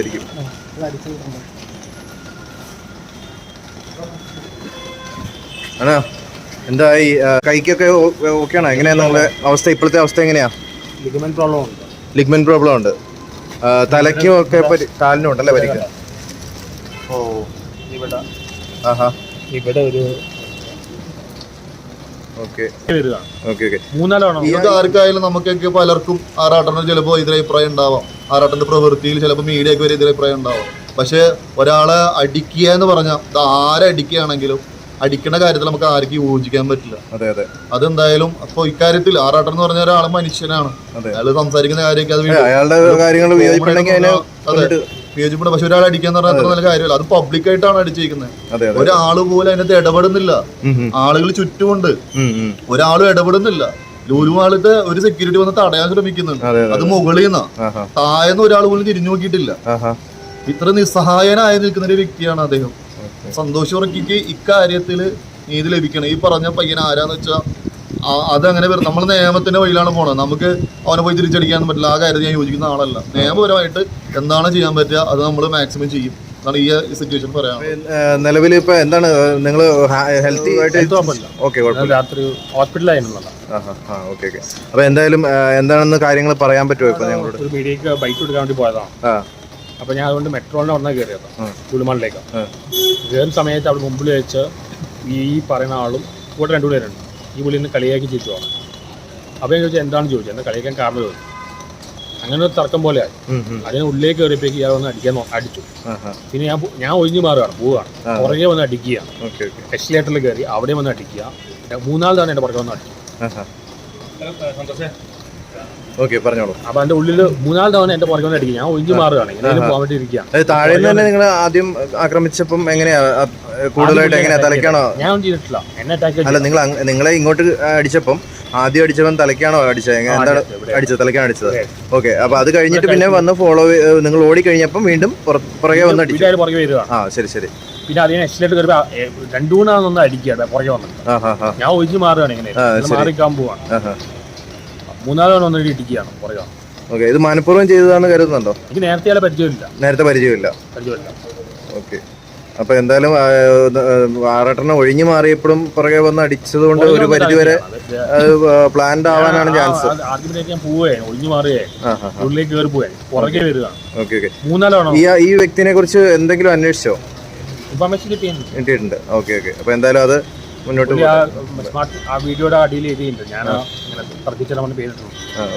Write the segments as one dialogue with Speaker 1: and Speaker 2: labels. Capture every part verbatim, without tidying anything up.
Speaker 1: ചെയ്യുമായിരിക്കും. ആണോ? എന്താ ഈ കൈക്കൊക്കെ ഓക്കെയാണോ? എങ്ങനെയാ നിങ്ങളുടെ അവസ്ഥ? ഇപ്പോഴത്തെ അവസ്ഥ എങ്ങനെയാ?
Speaker 2: ലിഗ്മെന്റ് പ്രോബ്ലം ഉണ്ട്.
Speaker 1: ലിഗ്മെന്റ് പ്രോബ്ലം ഉണ്ട്. തലയ്ക്കും ഒക്കെ കാലിനും ഉണ്ടല്ലേ പരിക്ക്?
Speaker 2: ഓ ഇവിടെ
Speaker 1: ആഹാ
Speaker 2: ഇവിടെ ഒരു
Speaker 1: ഓക്കെ ഓക്കെ ഓക്കെ.
Speaker 3: ഇത് ആർക്കായാലും നമുക്കൊക്കെ പലർക്കും ആറാട്ടന് ചിലപ്പോൾ എതിരഭിപ്രായം ഉണ്ടാവാം. ആറാട്ടന്റെ പ്രവൃത്തിയിൽ ചിലപ്പോൾ മീഡിയക്ക് വരെ എതിരഭിപ്രായം ഉണ്ടാവാം. പക്ഷെ ഒരാളെ അടിക്കുക എന്ന് പറഞ്ഞാൽ ഇത് ആരെ അടിക്കുകയാണെങ്കിലും അടിക്കുന്ന കാര്യത്തിൽ നമുക്ക് ആർക്കും യോജിക്കാൻ പറ്റില്ല.
Speaker 1: അതെ അതെ.
Speaker 3: അതെന്തായാലും അപ്പൊ ഇക്കാര്യത്തിൽ ആറാട്ടൻ എന്ന് പറഞ്ഞ ഒരാൾ മനുഷ്യനാണ്. അയാൾ സംസാരിക്കുന്ന കാര്യമൊക്കെ അത്
Speaker 1: അയാളുടെ കാര്യങ്ങൾ
Speaker 3: അതെ വിയോജിപ്പുണ്ട്. പക്ഷെ ഒരാൾ അടിക്കാന്ന് പറഞ്ഞാൽ അത്ര നല്ല കാര്യമല്ല. അത് പബ്ലിക് ആയിട്ടാണ് അടിച്ചിരിക്കുന്നത്. ഒരാള് പോലും അതിനകത്ത് ഇടപെടുന്നില്ല. ആളുകൾ ചുറ്റുമുണ്ട്, ഒരാളും ഇടപെടുന്നില്ല. ലുലുമാളിന്റെ ഒരു സെക്യൂരിറ്റി വന്ന് തടയാൻ ശ്രമിക്കുന്നുണ്ട്. അത് മുകളിൽ നിന്നാ, താഴെന്ന് ഒരാൾ പോലും തിരിഞ്ഞു നോക്കിയിട്ടില്ല. ഇത്ര നിസ്സഹായനായി നിൽക്കുന്ന ഒരു വ്യക്തിയാണ് അദ്ദേഹം. സന്തോഷ് വർക്കിക്ക് ഇക്കാര്യത്തില് നീതി ലഭിക്കണം. ഈ പറഞ്ഞ പയ്യൻ ആരാന്ന് വെച്ചാൽ അതങ്ങനെ വരും. നമ്മൾ നിയമത്തിന്റെ വഴിയിലാണ് പോണത്. നമുക്ക് അവനെ പോയി തിരിച്ചടിക്കാനും പറ്റില്ല. ആ കാര്യത്തിൽ ഞാൻ യോജിക്കുന്ന ആളല്ല. നിയമപരമായിട്ട് എന്താണ് ചെയ്യാൻ പറ്റുക അത് നമ്മൾ മാക്സിമം ചെയ്യും എന്നാണ് ഈ സിറ്റുവേഷൻ പറയാം.
Speaker 1: നിലവിൽ ഇപ്പൊ എന്താണ് നിങ്ങൾ ഹെൽത്തി
Speaker 2: രാത്രി ഹോസ്പിറ്റലായിരുന്നല്ലോ.
Speaker 1: അപ്പൊ എന്തായാലും എന്താണെന്ന് കാര്യങ്ങൾ പറയാൻ പറ്റുമോ? ഇപ്പൊ ഞങ്ങളോട്
Speaker 2: ഒരു മീഡിയക്ക് ബൈക്ക് എടുക്കാൻ വേണ്ടി പോയതാണ്. അപ്പൊ ഞാൻ അതുകൊണ്ട് മെട്രോളിനെ വന്നാൽ കയറിയത് ലുലുമാളിലേക്ക്. കയറുന്ന സമയത്ത് അവിടെ മുമ്പിൽ വെച്ച് ഈ പറയുന്ന ആളും കൂടെ രണ്ടു പേരുണ്ട്. ഈ പുള്ളി നിന്ന് കളിയാക്കി ചിരിച്ചു പോകണം. അപ്പോൾ ഞാൻ ചോദിച്ചാൽ എന്താണ് ചോദിച്ചത്, എന്താ കളിയാക്കാൻ കാരണം ചോദിച്ചു. അങ്ങനെ ഒരു തർക്കം പോലെയായി. അതിന് ഉള്ളിലേക്ക് കയറിയപ്പോഴേക്ക് ഇയാൾ വന്ന് അടിക്കാൻ അടിച്ചു. പിന്നെ ഞാൻ ഞാൻ ഒഴിഞ്ഞു മാറുകയാണ്, പോവുകയാണ്. പുറകെ വന്ന് അടിക്കുക, എക്സിലേറ്ററിൽ കയറി അവിടെ വന്ന് അടിക്കുക. മൂന്നാല് തവണ എൻ്റെ പുറകെ വന്ന് അടിച്ചു.
Speaker 1: ഓക്കെ പറഞ്ഞോളൂ.
Speaker 2: അപ്പൊ അതിന്റെ ഉള്ളിൽ മൂന്നാല് തവണ എന്റെ പുറകെ വന്ന് അടിക്കുക. ഞാൻ ഒഴിഞ്ഞു മാറുകയാണ്, ഇങ്ങനെ പോകാൻ വേണ്ടി ഇരിക്കുകയാണ്.
Speaker 1: താഴെ തന്നെ നിങ്ങൾ ആദ്യം ആക്രമിച്ചപ്പം എങ്ങനെയാ കൂടുതലായിട്ട് എങ്ങനെയാ തലയ്ക്കാണോ?
Speaker 2: ഞാൻ ഒന്നും ചെയ്തിട്ടില്ല, എന്നെ അറ്റാക്ക്
Speaker 1: അല്ല. നിങ്ങൾ നിങ്ങളെ ഇങ്ങോട്ട് അടിച്ചപ്പം ആദ്യം അടിച്ചവൻ തലയ്ക്കാണോ അടിച്ചത്? എന്താണ് അടിച്ചത്? തലയ്ക്കാണ് അടിച്ചത്. ഓക്കെ. അപ്പൊ അത് കഴിഞ്ഞിട്ട് പിന്നെ വന്ന് ഫോളോ നിങ്ങൾ ഓടി കഴിഞ്ഞപ്പം വീണ്ടും പുറകെ വന്ന് അടിച്ചു.
Speaker 2: പുറകെ വരിക.
Speaker 1: ആ ശരി ശരി.
Speaker 2: പിന്നെ അതിനെ എക്സിലേറ്റ് കയറി രണ്ടു മൂന്നാമൊന്ന് അടിക്കുക പുറകെ വന്നിട്ട്. ഞാൻ ഒഴിഞ്ഞു മാറുകയാണ്, ഇങ്ങനെ മാറിക്കാൻ പോവാണ്. മൂന്നാല് തവണ വന്നിട്ട് ഇടിക്കുകയാണ് പുറകെ.
Speaker 1: ഓക്കെ. ഇത് മനഃപൂർവ്വം ചെയ്തതാണെന്ന് കരുതുന്നുണ്ടോ?
Speaker 2: എനിക്ക് നേരത്തെ പരിചയമില്ല.
Speaker 1: നേരത്തെ പരിചയമില്ല.
Speaker 2: പരിചയമില്ല.
Speaker 1: ഓക്കെ. അപ്പൊ എന്തായാലും ആറാട്ടെണ്ണം ഒഴിഞ്ഞു മാറിയപ്പോഴും പുറകെ വന്ന് അടിച്ചത് കൊണ്ട് ഒരു പരിധി വരെ പ്ലാൻഡ് ആവാനാണ് ചാൻസ്.
Speaker 2: ഞാൻ പോവുകയാണ്, ഒഴിഞ്ഞു മാറുകയാണ്, ഉള്ളിലേക്ക് കയറി പോവുകയാണ്, പുറകെ വരികയാണ്.
Speaker 1: Okay okay.
Speaker 2: മൂന്നാലാണോ
Speaker 1: ഈ വ്യക്തിനെ കുറിച്ച് എന്തെങ്കിലും അന്വേഷിച്ചോ?
Speaker 2: ഇൻഫർമേഷൻ
Speaker 1: കിട്ടിയിട്ടുണ്ട്. Okay okay. അപ്പൊ എന്തായാലും അത് മുന്നോട്ട്
Speaker 2: ആ വീഡിയോയുടെ അടിയിൽ എഴുതിയിട്ടുണ്ട്. ഞാൻ തർക്കിച്ചാൽ പേരിട്ടുണ്ട്.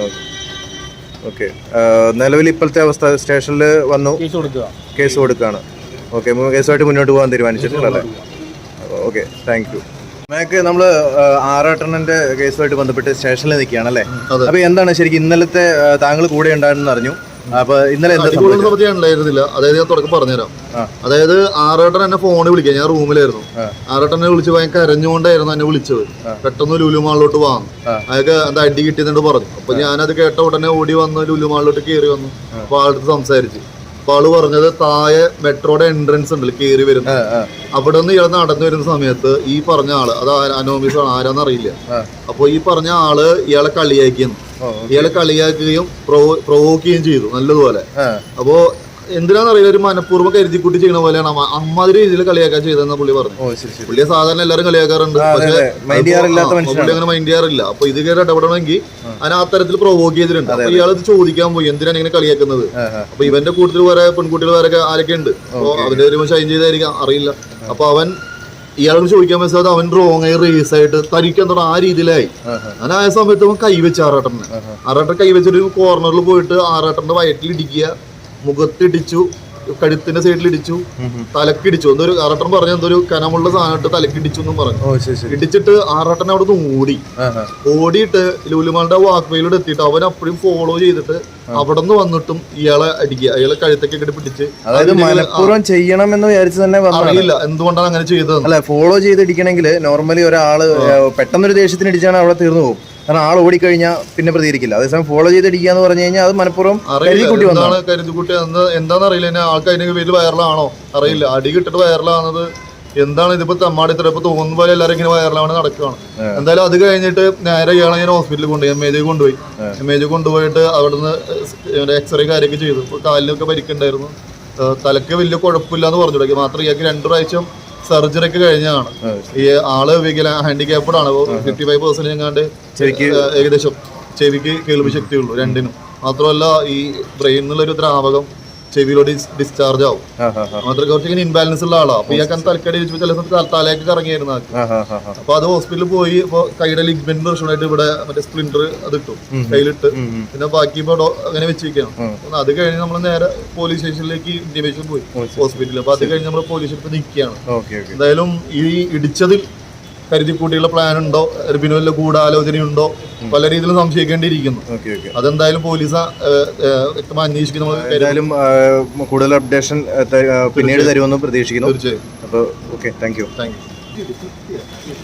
Speaker 1: ഓക്കെ. നിലവിൽ ഇപ്പോഴത്തെ അവസ്ഥ സ്റ്റേഷനിൽ വന്നു
Speaker 2: കേസ് കൊടുക്കുക
Speaker 1: കേസ് കൊടുക്കുകയാണ്. ഓക്കെ. കേസുമായിട്ട് മുന്നോട്ട് പോകാൻ തീരുമാനിച്ചിട്ടുണ്ടല്ലേ? Okay, thank you. മേക്ക് നമ്മൾ ആറാട്ടണ്ണന്റെ കേസുമായിട്ട് ബന്ധപ്പെട്ട് സ്റ്റേഷനിൽ നിൽക്കുകയാണല്ലേ? അപ്പൊ എന്താണ് ശരിക്കും ഇന്നലത്തെ താങ്കൾ കൂടെ ഉണ്ടായിരുന്നു അറിഞ്ഞു. അപ്പൊ ഇന്നലെ
Speaker 3: ഉണ്ടായിരുന്നില്ല. അതായത് ഞാൻ തുടക്കം പറഞ്ഞുതരാം. അതായത് ആറാട്ടൻ എന്നെ ഫോണിൽ വിളിക്കുക. ഞാൻ റൂമിലായിരുന്നു. ആറാട്ടനെ വിളിച്ച് ഭയങ്കര കരഞ്ഞുകൊണ്ടായിരുന്നു എന്നെ വിളിച്ചത്. പെട്ടെന്ന് ലുലുമാളിലോട്ട് വാങ്ങും, അതൊക്കെ എന്താ അടി കിട്ടിയെന്നു പറഞ്ഞു. അപ്പൊ ഞാനത് കേട്ട ഉടനെ ഓടി വന്ന് ലുലുമാളിലോട്ട് കയറി വന്നു. അപ്പൊ ആളുടെ സംസാരിച്ചു. അപ്പൊ ആള് പറഞ്ഞത് താഴെ മെട്രോയുടെ എൻട്രൻസ് ഉണ്ടല്ലോ കയറി വരുന്നത്, അവിടെ നിന്ന് ഇയാൾ നടന്നു വരുന്ന സമയത്ത് ഈ പറഞ്ഞ ആള്, അത് അനോമിസ് ആണ്, ആരാന്നറിയില്ല. അപ്പൊ ഈ പറഞ്ഞ ആള് ഇയാളെ കളിയാക്കിയെന്ന്, ഇയാളെ കളിയാക്കുകയും പ്രൊവോക്ക് ചെയ്യുകയും ചെയ്തു നല്ലതുപോലെ. അപ്പോ എന്തിനാന്നറിയില്ല, ഒരു മനഃപൂർവ്വം കരുതിക്കുട്ടി ചെയ്യുന്ന പോലെയാണ് അമ്മാതിരി രീതിയിൽ കളിയാക്കാൻ ചെയ്തെന്ന പുള്ളി പറഞ്ഞു. പുള്ളിയെ സാധാരണ എല്ലാവരും കളിയാക്കാറുണ്ട്, പക്ഷെ പുള്ളി അങ്ങനെ മൈൻഡ് ചെയ്യാറില്ല. അപ്പൊ ഇത് കയറി ഇടപെടണമെങ്കിൽ അതിന് ആ തരത്തിൽ പ്രൊവോക്ക് ചെയ്തിട്ടുണ്ട്. അപ്പൊ ഇയാൾ ഇത് ചോദിക്കാൻ പോയി, എന്തിനാണ് ഇങ്ങനെ കളിയാക്കുന്നത്. അപ്പൊ ഇവന്റെ കൂട്ടത്തിൽ വേറെ പെൺകുട്ടികൾ വേറെ ആരൊക്കെ ഉണ്ട്. അപ്പൊ അവന്റെ ഒരു ഷൈൻ ചെയ്തായിരിക്കാം, അറിയില്ല. അപ്പൊ അവൻ ഇയാളോട് ചോദിക്കാൻ മനസ്സിലായത് അവൻ റോങ് ആയി റേസ് ആയിട്ട് തരിക്കാൻ തുടങ്ങി. ആ രീതിയിലായി. അങ്ങനെ ആയ സമയത്ത് അവൻ കൈവച്ച് ആറാട്ടനെ ആറാട്ടൻ കൈവച്ചൊരു കോർണറിൽ പോയിട്ട് ആറാട്ടന്റെ വയറ്റിൽ ഇടിക്കുക, മുഖത്തിടിച്ചു, കഴുത്തിന്റെ സൈഡിൽ ഇടിച്ചു, തലക്കിടിച്ചു. എന്തൊരു ആറാട്ടൻ പറഞ്ഞ എന്തൊരു കനമുള്ള സാധനം തലക്കിടിച്ചു എന്നും പറഞ്ഞു. ഇടിച്ചിട്ട് ആറാട്ടൻ അവിടെ നിന്ന് ഓടി ഓടിയിട്ട് ലുലുമാളുടെ വാക്ക് വേയിലൂടെ എത്തിയിട്ട് അവൻ അപ്പോഴും ഫോളോ ചെയ്തിട്ട് അവിടെ നിന്ന് വന്നിട്ടും ഇയാളെ അടിക്കുക, അയാളെ കഴുത്തൊക്കെ ഇട്ട് പിടിച്ച്.
Speaker 1: അതായത് മനഃപൂർവ്വം ചെയ്യണമെന്ന് വിചാരിച്ചു തന്നെ
Speaker 3: അറിയില്ല എന്തുകൊണ്ടാണ് അങ്ങനെ ചെയ്തത്.
Speaker 1: അല്ല, ഫോളോ ചെയ്തിടിക്കണമെങ്കിൽ നോർമലി ഒരാള് പെട്ടെന്നൊരു ദേഷ്യത്തിന് ഇടിച്ചാണ് അവിടെ തീർന്നു പോകും. കാരണം ആൾ ഓടിക്കഴിഞ്ഞാൽ പിന്നെ പ്രതികരിക്കില്ല. അതേസമയം ഫോളോ ചെയ്തിടിക്കുക എന്ന് പറഞ്ഞു കഴിഞ്ഞാൽ അത് മനഃപൂർവ്വം കരുതിക്കുട്ടി വന്നതാണ്.
Speaker 3: കരുതിക്കുട്ടി എന്താണെന്ന് അറിയില്ല. ആൾക്ക് അതിന്റെ പേര് വൈറലാണോ അറിയില്ല. അടി കിട്ടിട്ട് വൈറലാവുന്നത് എന്താണ് ഇതിപ്പോ തമ്മാടി ഇത്ര ഇപ്പൊ തോന്നുന്ന പോലെ എല്ലാവരും ഇങ്ങനെ വൈറലാണ് നടക്കുകയാണ്. എന്തായാലും അത് കഴിഞ്ഞിട്ട് നേരെ ഇയാളെ ഞാൻ ഹോസ്പിറ്റലിൽ കൊണ്ടുപോയി, എം എ ജി കൊണ്ടുപോയി. എം എ ജി കൊണ്ടുപോയിട്ട് അവിടുന്ന് എക്സ്റേ കാര്യമൊക്കെ ചെയ്തു. കാലിനൊക്കെ പരിക്കുണ്ടായിരുന്നു. തലക്ക് വലിയ കുഴപ്പമില്ല എന്ന് പറഞ്ഞു തുടങ്ങി. മാത്രം ഇയാൾക്ക് രണ്ടു പ്രാവശ്യം സർജറി ഒക്കെ കഴിഞ്ഞാണ്. ഈ ആള് വികല ഹാൻഡിക്യാപ്ഡ് ആണ്. ഫിഫ്റ്റി ഫൈവ് പെർസെന്റ് എങ്ങാണ്ട് ഏകദേശം ചെവിക്ക് കേൾവി ശക്തിയുള്ളൂ രണ്ടിനും. മാത്രമല്ല ഈ ബ്രെയിൻ എന്നുള്ളൊരു ദ്രാവകം ചെവിയിലോട്ട് ഡിസ്ചാർജ് ആവും. മാത്രം കുറച്ച് ഇങ്ങനെ ഇൻബാലൻസ് ഉള്ള ആളാണ്. അപ്പൊ ഇയാൾക്ക് തലക്കടി ചില സമയത്ത് തലയൊക്കെ കറങ്ങിയായിരുന്നു. അപ്പൊ അത് ഹോസ്പിറ്റലിൽ പോയി ഇപ്പൊ കൈയുടെ ലിഗ്മെന്റ് പ്രശ്നമായിട്ട് ഇവിടെ മറ്റേ സ്പ്ലിന്റർ അത് ഇട്ടു കയ്യിലിട്ട്. പിന്നെ ബാക്കി ഇപ്പൊ അങ്ങനെ വെച്ചിരിക്കുകയാണ്. അത് കഴിഞ്ഞ് നമ്മൾ നേരെ പോലീസ് സ്റ്റേഷനിലേക്ക് ഇന്റിമേഷൻ പോയി ഹോസ്പിറ്റലിൽ. അപ്പൊ അത് കഴിഞ്ഞ് നമ്മൾ പോലീസ് സ്റ്റേഷനിൽ നിൽക്കുകയാണ്. എന്തായാലും ഈ ഇടിച്ചതിൽ കരുതിക്കൂട്ടിയുള്ള പ്ലാൻ ഉണ്ടോ, പിന്നെ വല്ല ഗൂഢാലോചനയുണ്ടോ, പല രീതിയിലും സംശയിക്കേണ്ടിയിരിക്കുന്നു. അതെന്തായാലും പോലീസ് വ്യക്തമായി അന്വേഷിക്കുന്നു.
Speaker 1: ഏതായാലും കൂടുതൽ അപ്ഡേഷൻ പിന്നീട് തരുമെന്ന് പ്രതീക്ഷിക്കുന്നു.
Speaker 3: തീർച്ചയായും.
Speaker 1: അപ്പോൾ okay, thank you.
Speaker 3: Thank U.